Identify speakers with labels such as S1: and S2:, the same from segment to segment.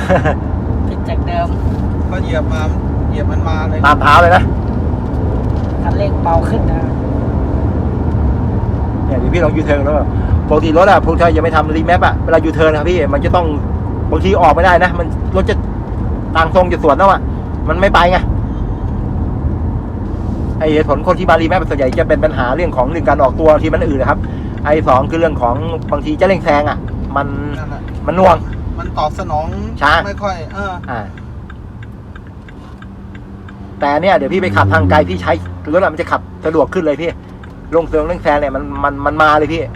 S1: ผิดจากเดิม
S2: ก็เหยียบมันมาเลย
S3: ตามเท้าเลยนะ
S1: คันเร่งเบาขึ้นนะ
S3: เนี่ยเดี๋ยวพี่ลองยูเทิร์นแล้วปกติรถอะพวกที่ยังไม่ทำรีแมปอะเวลายูเทิร์นนะครับพี่มันจะต้องบางทีออกไม่ได้นะมันรถจะทางตรงจะสวนแล้วอะมันไม่ไปไงไอ้เหตุผลคนที่มารีแมปส่วนใหญ่จะเป็นปัญหาเรื่องของการออกตัวที่มันอื่นนะครับไอ้สองคือเรื่องของบางทีจะเร่งแซงอะมันน่วง
S2: มันตอบสนอง
S3: ช้า
S2: ไม่ค่อย
S3: แต่เนี่ยเดี๋ยวพี่ไปขับทางไกลพี่ใช้รถมันจะขับสะดวกขึ้นเลยพี่ลงเร่งแซงเนี่ยมันมาเลยพี่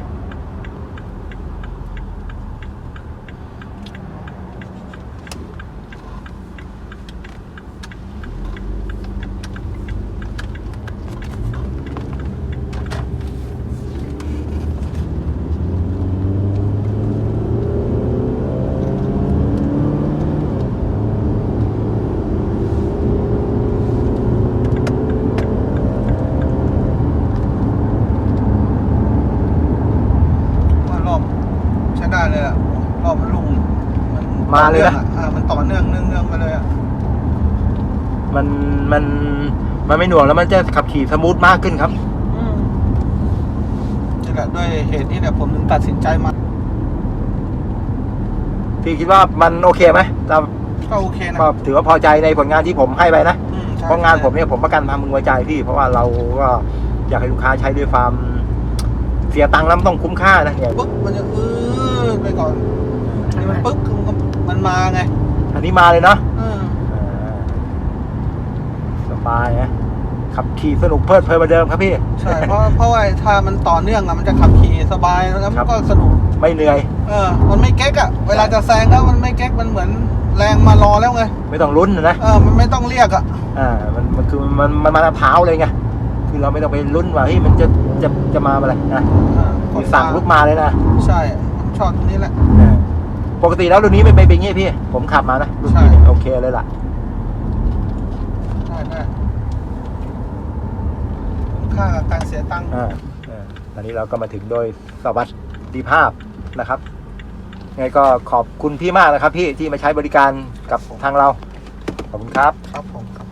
S2: ได้เลยอ่ะรอบมันลุ่งมัน
S3: มาเลยนะ
S2: มันต่อเนื่องมาเลยอ่ะ
S3: มันไม่หน่วงแล้วมันจะขับขี่สมูทมากขึ้นครับ
S2: นี่แหละด้วยเหตุนี้เนี่ยผมถึงตัดสินใจมา
S3: พี่คิดว่ามันโอเคไหม
S2: ก็โอเคนะ
S3: ก็ถือว่าพอใจในผลงานที่ผมให้ไปนะเพราะงานผมเนี่ยผมประกันทำมึงไว้ใจพี่เพราะว่าเราก็อยากให้ลูกค้าใช้ด้วยความเสียตังค์แล้วต้องคุ้มค่านะเนี่ย
S2: ปุ๊บมันจะไปก่อนนี่มันปุ๊บมันมาไง
S3: อันนี้มาเลยเนาะสบายนะขับขี่สนุกเพลิดเพลินเหมือนเดิมครับพี่
S2: ใช่เพราะว่าถ้ามันต่อเนื่องอะมันจะขับขี่สบายแล้วมันก็สนุก
S3: ไม่เหนื่อย
S2: มันไม่เก๊กอะเวลาจะแซงแล้วมันไม่เก๊กมันเหมือนแรงมารอแล้วไง
S3: ไม่ต้องลุ้นนะ
S2: มันไม่ต้องเรียกอะ
S3: มันคือมันมาเท้าเลยไงคือเราไม่ต้องไปลุ้นว่าเฮ้ยมันจะมาอะไรนะสั่งลุกมาเลยนะ
S2: ใช่ชอบตรงนี้แหละ
S3: ปกติแล้วรุ่นนี้ไม่เป็นอย่างงี้พี่ผมขับมานะรุ่นนี้โอเคเลยล่ะ
S2: ได้ค่าการเสียตังค์
S3: ตอนนี้เราก็มาถึงโดยสวัสดิภาพนะครับไงก็ขอบคุณพี่มากนะครับพี่ที่มาใช้บริการกับทางเราขอบคุณครับ
S2: ครับผม